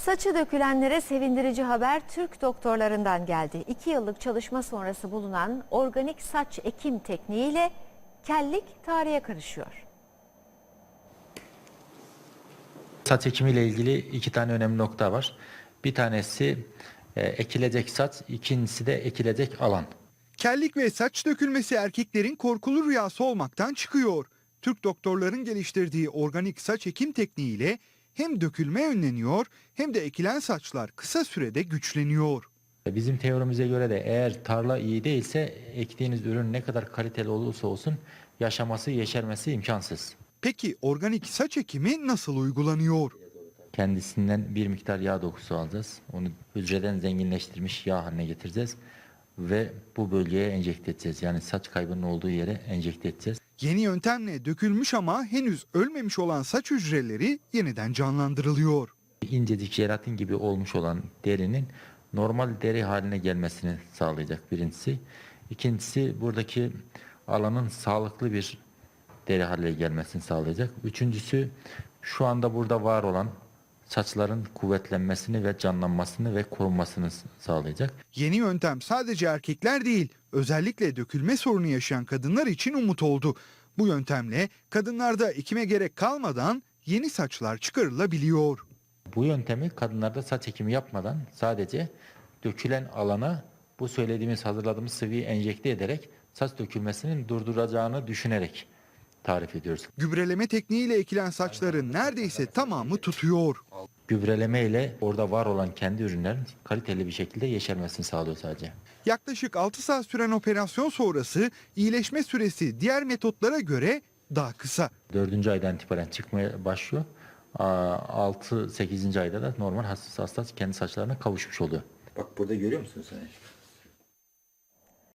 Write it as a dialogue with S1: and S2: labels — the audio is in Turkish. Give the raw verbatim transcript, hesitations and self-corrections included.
S1: Saçı dökülenlere sevindirici haber Türk doktorlarından geldi. İki yıllık çalışma sonrası bulunan organik saç ekim tekniğiyle kellik tarihe karışıyor.
S2: Saç ekimiyle ilgili iki tane önemli nokta var. Bir tanesi e, ekilecek saç, ikincisi de ekilecek alan.
S3: Kellik ve saç dökülmesi erkeklerin korkulu rüyası olmaktan çıkıyor. Türk doktorların geliştirdiği organik saç ekim tekniğiyle hem dökülme önleniyor hem de ekilen saçlar kısa sürede güçleniyor.
S2: Bizim teorimize göre de eğer tarla iyi değilse ektiğiniz ürün ne kadar kaliteli olursa olsun yaşaması, yeşermesi imkansız.
S3: Peki organik saç ekimi nasıl uygulanıyor?
S2: Kendisinden bir miktar yağ dokusu alacağız. Onu hücreden zenginleştirmiş yağ haline getireceğiz ve bu bölgeye enjekte edeceğiz. Yani saç kaybının olduğu yere enjekte edeceğiz.
S3: Yeni yöntemle dökülmüş ama henüz ölmemiş olan saç hücreleri yeniden canlandırılıyor.
S2: İncecik jelatin gibi olmuş olan derinin normal deri haline gelmesini sağlayacak birincisi. İkincisi buradaki alanın sağlıklı bir deri haline gelmesini sağlayacak. Üçüncüsü şu anda burada var olan saçların kuvvetlenmesini ve canlanmasını ve korunmasını sağlayacak.
S3: Yeni yöntem sadece erkekler değil, özellikle dökülme sorunu yaşayan kadınlar için umut oldu. Bu yöntemle kadınlarda ekime gerek kalmadan yeni saçlar çıkarılabiliyor.
S2: Bu yöntemi kadınlarda saç ekimi yapmadan sadece dökülen alana bu söylediğimiz hazırladığımız sıvıyı enjekte ederek saç dökülmesinin durduracağını düşünerek tarif ediyoruz.
S3: Gübreleme tekniğiyle ekilen saçların neredeyse tamamı tutuyor.
S2: Gübreleme ile orada var olan kendi ürünlerin kaliteli bir şekilde yeşermesini sağlıyor sadece.
S3: Yaklaşık altı saat süren operasyon sonrası iyileşme süresi diğer metotlara göre daha kısa.
S2: Dördüncü aydan itibaren çıkmaya başlıyor. altı sekizinci ayda da normal hasta hasta kendi saçlarına kavuşmuş oluyor.
S4: Bak burada görüyor musun sen?